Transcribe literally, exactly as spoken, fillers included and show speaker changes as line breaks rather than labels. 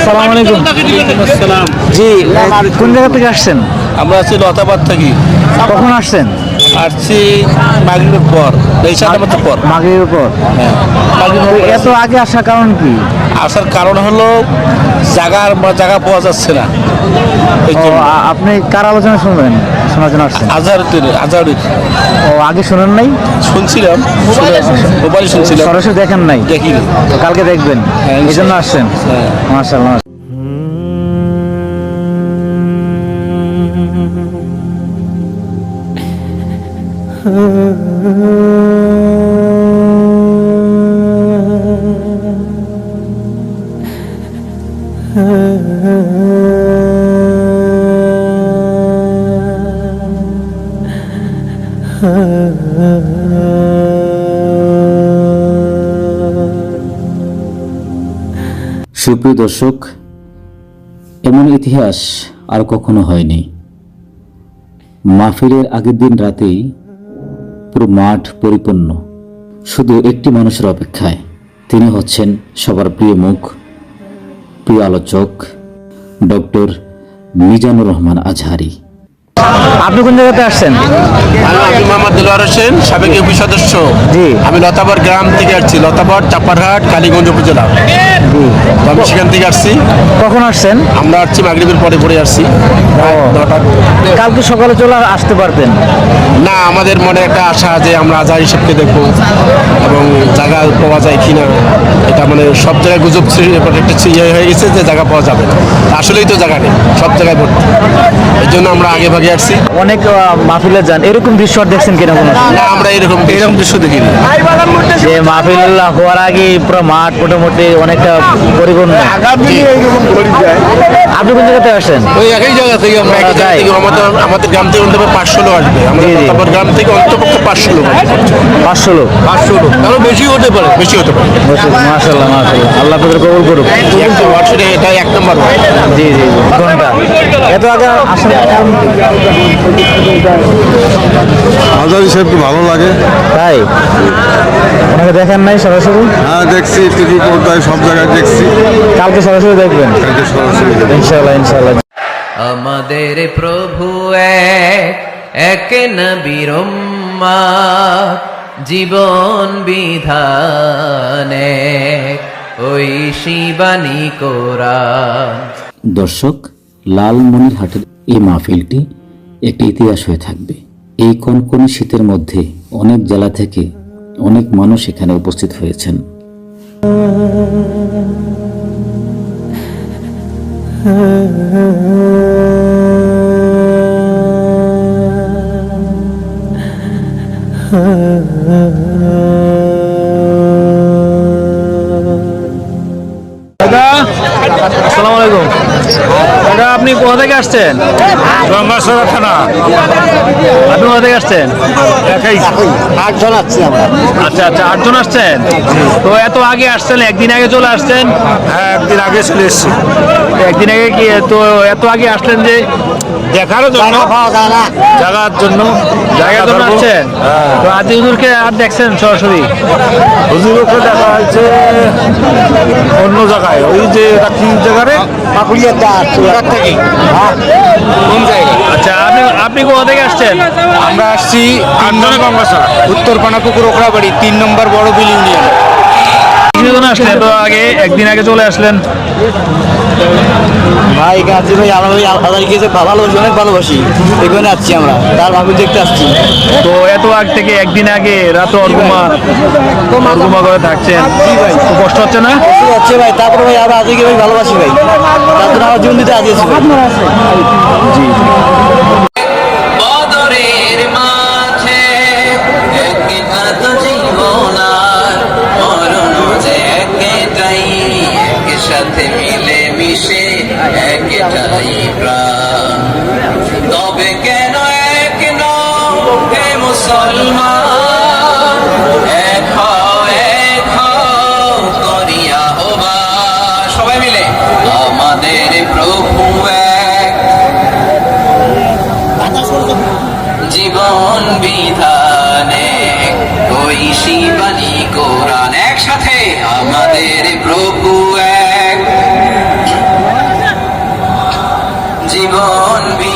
আসসালামু আলাইকুম।
আসসালাম।
জি, কোন জায়গা থেকে আসছেন?
আমরা আছি লতাবাদ থাকি।
কখন আসছেন?
আসছি মাগরিবের পর, এই সাত আমাদের পর।
মাগরিবের পর।
হ্যাঁ, মাগরিবের পর
এত আগে আসার কারণ কি?
আসার কারণ হলো জায়গার জায়গা পাওয়া যাচ্ছে না। এই
ও,
জন্য
আ- আপনি কার আলোচনা শুনবেন, শোনার জন্য আসছেন?
আজহারুদ্দিন আজহারুদ্দিন
ও, আগে শুনেন নাই?
শুনছিলাম, মোবাইলে শুনছিলাম,
সরাসরি দেখেন নাই?
দেখিনি।
তো কালকে দেখবেন,
হ্যাঁ,
এই জন্য আসছেন?
হ্যাঁ।
মাশাআল্লাহ।
সুপ্রিয় দর্শক, এমন ইতিহাস আর কখনো হয়নি। মাহফিলের আগের দিন রাতেই পুরো মাঠ পরিপূর্ণ, শুধু একটি মানুষের অপেক্ষায়। তিনি হচ্ছেন সবার প্রিয় মুখ, প্রিয় আলোচক, ডক্টর মিজানুর রহমান আজহারি।
আপনি কোন জায়গাতে আসছেন?
আমি আব্দুল মোহাম্মদ দিলওয়ার হোসেন, সাবেক ইউপি সদস্য।
জি।
আমি লতাবর গ্রাম থেকে আসছি, লতাবর, চাপারহাট, কালীগঞ্জ উপজেলা। তো আমি সেখান থেকে আসছি।
কখন আসছেন?
আমরা আসছি মাগরিবের পরে পরে আসছি। প্রায় নটা।
কালকে সকালে চলে আসতে পারতেন।
না, আমাদের মনে একটা আশা যে আমরা আজহার হিসেবকে দেখবো এবং জায়গা পাওয়া যায় কিনা। এটা মানে সব জায়গায় গুজব ছিল- একটা ইয়ে হয়ে গেছে যে জায়গা পাওয়া যাবে না। আসলেই তো জায়গা নেই, সব জায়গায় ভর্তি। এই জন্য আমরা আগে ভাগে আসছি।
অনেক আহ, মাহফিলে যান, এরকম দৃশ্য আর দেখছেন কিনা কোনো?
না, আমরা এরকম এরকম দৃশ্য দেখিনি।
যে মাহফিল হওয়ার আগে পুরো মাঠ মোটামুটি অনেকটা পরিপূর্ণ। আপনি কোন জায়গাতে আসেন?
ওই একই জায়গা থেকে আমরা একই জায়গা
তাই?
থেকে আমাদের আমাদের গ্রাম থেকে অন্তত পাঁচশো লোক আসবে। আমাদের
জি, জি।
লতাবর গ্রাম থেকে অন্তপক্ষে পাঁচশো লোক আসবে।
পাঁচশো লোক।
পাঁচশো লোক, আরো বেশি হতে পারে, বেশি হতে পারে।
মাশাআল্লাহ মাশাআল্লাহ, আল্লাহ আপনাদের কবুল করুক।
একশো ওয়ার্ডে এটা এক নম্বর ওয়ার্ড।
জি জি জি। ঘন্টা এত আগে আসেন?
আজহারি সাহেবকে ভালো লাগে।
তাই? ওনাকে দেখেন নাই সরাসরি?
হ্যাঁ, দেখছি টিভি পর্দায়, সব জায়গায় দেখছি।
কালকে সরাসরি দেখবেন
কালকে সরাসরি দেখব।
ইনশাআল্লাহ ইনশাআল্লাহ।
আমাদের প্রভু এক, এক নবীর উম্মত, জীবন বিধানে ওই শিবানী কোরআন।
দর্শক, লালমনিরহাটের এই মাহফিলটি একটি ইতিহাস হয়ে থাকবে। এই কনকনে শীতের মধ্যে অনেক জেলা থেকে অনেক মানুষ এখানে উপস্থিত হয়েছেন।
দাদা আসসালামু আলাইকুম। দাদা আপনি কোথা থেকে আসছেন?
গঙ্গাসরা থানা।
আপনি কোথা থেকে আসছেন?
আটজন আসছি আমরা।
আচ্ছা আচ্ছা, আটজন আসছেন। তো এত আগে আসছেন, একদিন আগে চলে আসছেন?
হ্যাঁ, একদিন আগে চলে এসেছি।
একদিন আগে কি তো এত আগে আসলেন যে?
দেখার জন্য, জায়গার জন্য।
জায়গার জন্য আসছেন? তো আদি হুজুরকে আর দেখছেন সরাসরি?
হুজুরকে দেখা হয়েছে অন্য জায়গায়, ওই যে এটা কি জায়গারে কোন জায়গাা?
আচ্ছা, আপনি আপনি কোথা থেকে আসছেন?
আমরা আসছি আটজনে গঙ্গাসরা, উত্তর পানাপুকুর ওখরাবাড়ি, তিন নম্বর বড় বিল ইউনিয়ন।
কিছুজন আসলেন তো আগে, একদিন আগে চলে আসলেন?
ভাই গাছি ভাই আমরা ওই আদারিকে ভালোবাসি, অনেক ভালোবাসি, এখানে আসছি আমরা, তার ভাবি দেখতে আসছি।
তো এত আগ থেকে একদিন আগে রাতে অর্গুমা অর্গুমা করে থাকছেন, তো কষ্ট হচ্ছে না?
ঠিক আছে ভাই, তারপরে ভাই আমরা আজকে ভাই ভালোবাসি ভাই, তার জন্য আমার জীবন দিতে আজিয়েছি ভাই।
জি জি।
বদরের মাঝে একঘাত জীবন আর মরণ যে একটাই, একসাথে মিলে মিশে একটাই প্রাণ। তবে কেন এক নও হে মুসলমান, এক হও এক হও করিয়া হবাস। সবাই মিলে আমাদের প্রভু এক, জীবন বিধানে ওই শিবানী কোরআন। একসাথে আমাদের প্রভু এক, জীবন